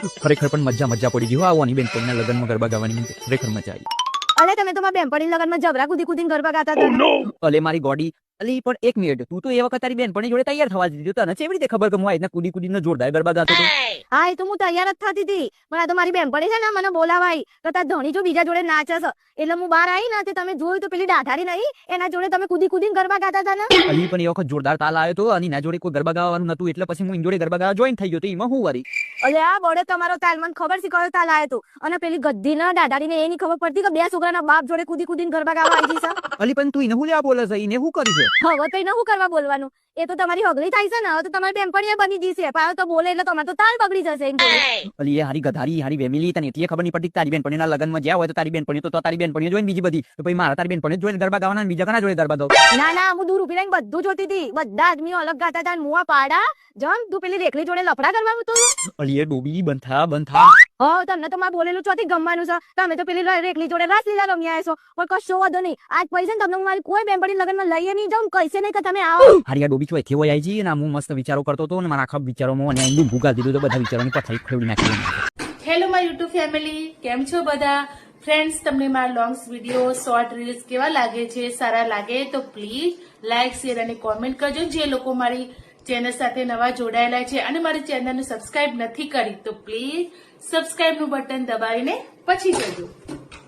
ખરેખર પણ મજા પડી ગઈ હો આવવાની બેનપણીના લગ્નમાં ગરબા ગાવાની ખરેખર મજા આવી. અલે તમે તો મારા બેનપણી લગનમાં જબરા કૂદી કૂદીને ગરબા ગાતા હતા. અલે મારી ગોડી અલી પણ એક મિનિટ તું તો એ વખત તારી બેનપણી જોડે તૈયાર થવા દીધી તને કેવી રીતે ખબર કે હું આઈને કૂદી કૂદીને જોરદાર ગરબા ગાતો હતો? હા એ તો હું તૈયાર જ થતી હતી પણ આ તો મારી બેનપણી છે ને મને બોલાવાઈ કે તાર ધણી જો બીજા જોડે નાચે છે એટલે હું બહાર આવી ને તે તમે જોયું તો પેલી ડાઢારી નહીં એના જોડે તમે કૂદી કૂદીને ગરબા ગાતા હતા ને. અલી પણ એ વખત જોરદાર તાલ આવ્યો તો અને એના જોડે કોઈ ગરબા ગાવાનું નતું એટલે પછી હું એની જોડે ગરબા ગાવા જોઈન થઈ ગયો તો એમાં હું વરી. અલે આ બળે તમારો તાલ મને ખબર છે કયો તાલ આવ્યો તો અને પેલી ગદ્દી ના ડાઢારી ને એની ખબર પડતી કે બે છોકરાના બાપ જોડે કૂદી કૂદીને ગરબા ગાવા આવી છે. અલી પણ તું એને હું લેવા બોલે છે એને શું કરી છે? હવે તો એને શું કરવા બોલવાનું એ તો તમારી હગલી થાય છે ને હવે તો તમારી બેનપણીએ બની જશે પાછો તો બોલે એટલે તમારે તો તાલ બગડી જશે એમ જોડે. અલી એ હારી ગધારી હારી વેમિલી તને એટલી ખબર નહીં પડતી કે તારી બેનપણીના લગ્નમાં જ્યાં હોય તો તારી બેનપણી તો તારી બેનપણીઓ જોઈને બીજી બધી તો પછી મારા તારી બેનપણીઓ જોઈને ગરબા ગાવાના બીજા કના જોડે ગરબા ગાવ? ના હું દૂર ઉભી રહીને બધું જોતી હતી બધા આદમીઓ અલગ ગાતા હતા મુવા પાડા જમ તું પેલી રેખલી જોડે લફડા કરવા તો. અલી એ ડોબી બંધા હા તમને તો મારે બોલેલું ચોથી ગમવાનું છે તમે તો પેલી રેખલી જોડે રાસલીલા રમી આવ્યા છો પણ કશો વાંધો નહીં આજ પૈસા તમને હું મારી કોઈ બેનપણી લગ્નમાં લઈએ નહીં જાઉં કહીશે નહીં કે તમે આવો. હારી આ ડોબી છો એથી હોય આવી ને હું મસ્ત વિચારો કરતો હતો ને મારા આખા વિચારોમાં અને એનું ભૂગા દીધું તો બધા વિચારોની પથારી ખોલી નાખી. હેલો માય યુટ્યુબ ફેમિલી, કેમ છો બધા ફ્રેન્ડ્સ? તમને મારા લોંગ્સ વિડીયો શોર્ટ રીલ્સ કેવા લાગે છે? સારા લાગે તો પ્લીઝ લાઇક શેર અને કોમેન્ટ કરજો. જે લોકો મારી ચેનલ સાથે નવા જોડાયેલા છે અને મારી ચેનલને સબસ્ક્રાઇબ નથી કરી તો પ્લીઝ સબસ્ક્રાઇબનું બટન દબાવીને પછી જજો.